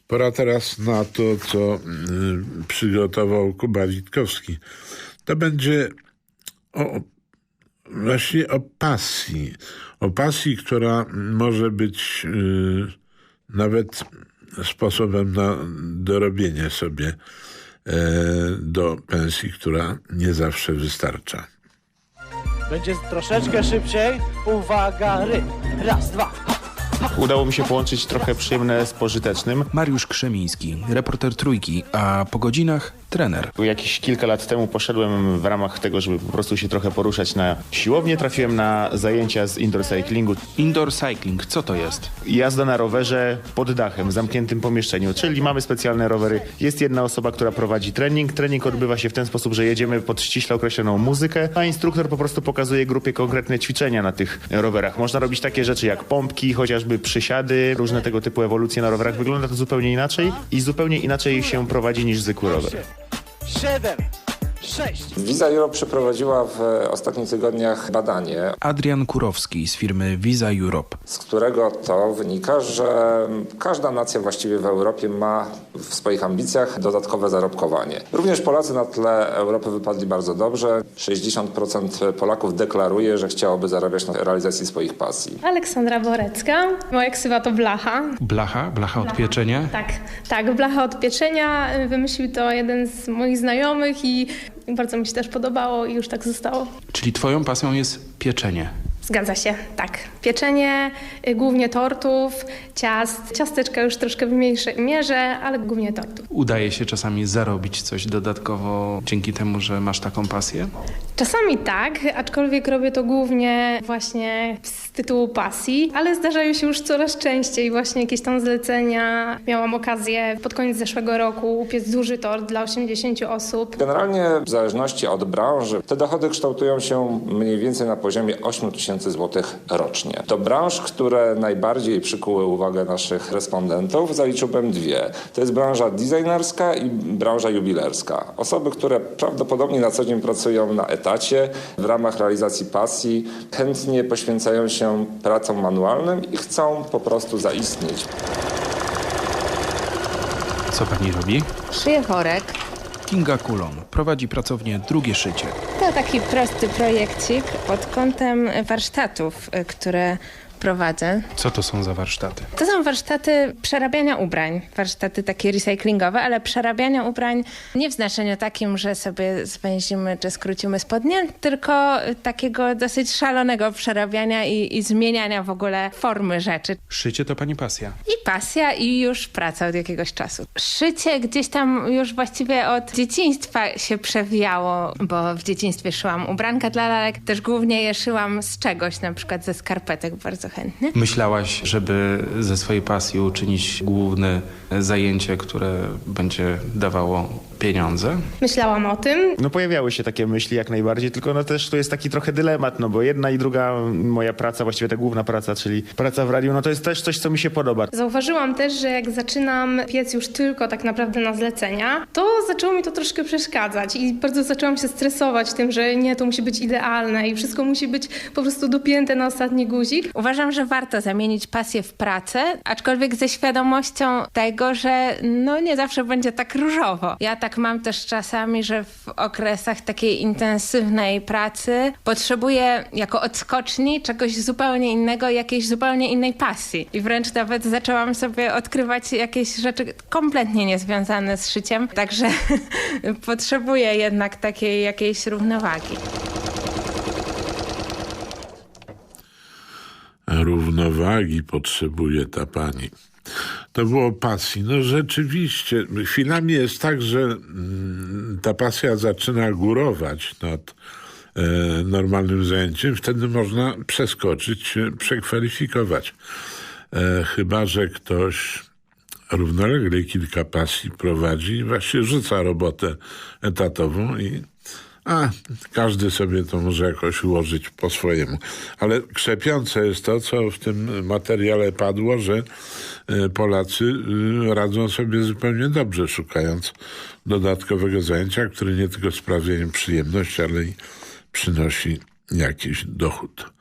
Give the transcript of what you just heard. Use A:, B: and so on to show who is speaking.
A: Pora teraz na to, co przygotował Kuba Witkowski. To będzie właśnie o pasji. O pasji, która może być nawet sposobem na dorobienie sobie do pensji, która nie zawsze wystarcza.
B: Będzie troszeczkę szybciej. Uwaga, raz, dwa.
C: Udało mi się połączyć trochę przyjemne z pożytecznym.
D: Mariusz Krzemiński, reporter Trójki, a po godzinach trener.
C: Jakieś kilka lat temu poszedłem w ramach tego, żeby po prostu się trochę poruszać na siłownię. Trafiłem na zajęcia z indoor cyclingu.
D: Indoor cycling, co to jest?
C: Jazda na rowerze pod dachem, w zamkniętym pomieszczeniu, czyli mamy specjalne rowery. Jest jedna osoba, która prowadzi trening. Trening odbywa się w ten sposób, że jedziemy pod ściśle określoną muzykę, a instruktor po prostu pokazuje grupie konkretne ćwiczenia na tych rowerach. Można robić takie rzeczy jak pompki, chociażby przysiady, różne tego typu ewolucje na rowerach. Wygląda to zupełnie inaczej i zupełnie inaczej się prowadzi niż zwykły rower.
B: 7, 6.
E: Visa Europe przeprowadziła w ostatnich tygodniach badanie,
D: Adrian Kurowski z firmy Visa Europe.
E: z którego to wynika, że każda nacja właściwie w Europie ma w swoich ambicjach dodatkowe zarobkowanie. Również Polacy na tle Europy wypadli bardzo dobrze. 60% Polaków deklaruje, że chciałoby zarabiać na realizacji swoich pasji.
F: Aleksandra Borecka. Moja ksywa to Blacha.
D: Blacha od pieczenia?
F: Tak, Blacha od pieczenia. Wymyślił to jeden z moich znajomych i bardzo mi się też podobało i już tak zostało.
D: Czyli twoją pasją jest pieczenie.
F: Zgadza się, tak. Pieczenie, głównie tortów, ciast. Ciasteczka już troszkę w mniejszej mierze, ale głównie tortów.
D: Udaje się czasami zarobić coś dodatkowo dzięki temu, że masz taką pasję?
F: Czasami tak, aczkolwiek robię to głównie właśnie z tytułu pasji, ale zdarzają się już coraz częściej właśnie jakieś tam zlecenia. Miałam okazję pod koniec zeszłego roku upiec duży tort dla 80 osób.
E: Generalnie w zależności od branży te dochody kształtują się mniej więcej na poziomie 8 000 złotych rocznie. Do branż, które najbardziej przykuły uwagę naszych respondentów, zaliczyłbym dwie. To jest branża designerska i branża jubilerska. Osoby, które prawdopodobnie na co dzień pracują na etacie w ramach realizacji pasji, chętnie poświęcają się pracom manualnym i chcą po prostu zaistnieć.
D: Co pani robi?
G: Szyję worek.
D: Kinga Kulon prowadzi pracownię Drugie Szycie.
G: To taki prosty projekcik pod kątem warsztatów, które prowadzę.
D: Co to są za warsztaty?
G: To są warsztaty przerabiania ubrań. Warsztaty takie recyklingowe, ale przerabiania ubrań nie w znaczeniu takim, że sobie zwęzimy czy skrócimy spodnie, tylko takiego dosyć szalonego przerabiania i zmieniania w ogóle formy rzeczy.
D: Szycie to pani pasja.
G: I pasja, i już praca od jakiegoś czasu. Szycie gdzieś tam już właściwie od dzieciństwa się przewijało, bo w dzieciństwie szyłam ubranka dla lalek. Też głównie je szyłam z czegoś, na przykład ze skarpetek bardzo chętnie.
D: Myślałaś, żeby ze swojej pasji uczynić główne zajęcie, które będzie dawało pieniądze?
F: Myślałam o tym.
C: No pojawiały się takie myśli jak najbardziej, tylko no też to jest taki trochę dylemat, no bo jedna i druga moja praca, właściwie ta główna praca, czyli praca w radiu, no to jest też coś, co mi się podoba.
F: Zauważyłam też, że jak zaczynam piec już tylko tak naprawdę na zlecenia, to zaczęło mi to troszkę przeszkadzać i bardzo zaczęłam się stresować tym, że nie, to musi być idealne i wszystko musi być po prostu dopięte na ostatni guzik.
G: Uważam, że warto zamienić pasję w pracę, aczkolwiek ze świadomością tego, że no nie zawsze będzie tak różowo. Ja tak mam też czasami, że w okresach takiej intensywnej pracy potrzebuję jako odskoczni czegoś zupełnie innego, jakiejś zupełnie innej pasji. I wręcz nawet zaczęłam sobie odkrywać jakieś rzeczy kompletnie niezwiązane z szyciem, także potrzebuję jednak takiej jakiejś równowagi.
A: Równowagi potrzebuje ta pani. To było pasji. No rzeczywiście, chwilami jest tak, że ta pasja zaczyna górować nad normalnym zajęciem. Wtedy można przeskoczyć się, przekwalifikować. Chyba że ktoś równolegle kilka pasji prowadzi i właśnie rzuca robotę etatową i każdy sobie to może jakoś ułożyć po swojemu. Ale krzepiące jest to, co w tym materiale padło, że Polacy radzą sobie zupełnie dobrze, szukając dodatkowego zajęcia, które nie tylko sprawia im przyjemność, ale i przynosi jakiś dochód.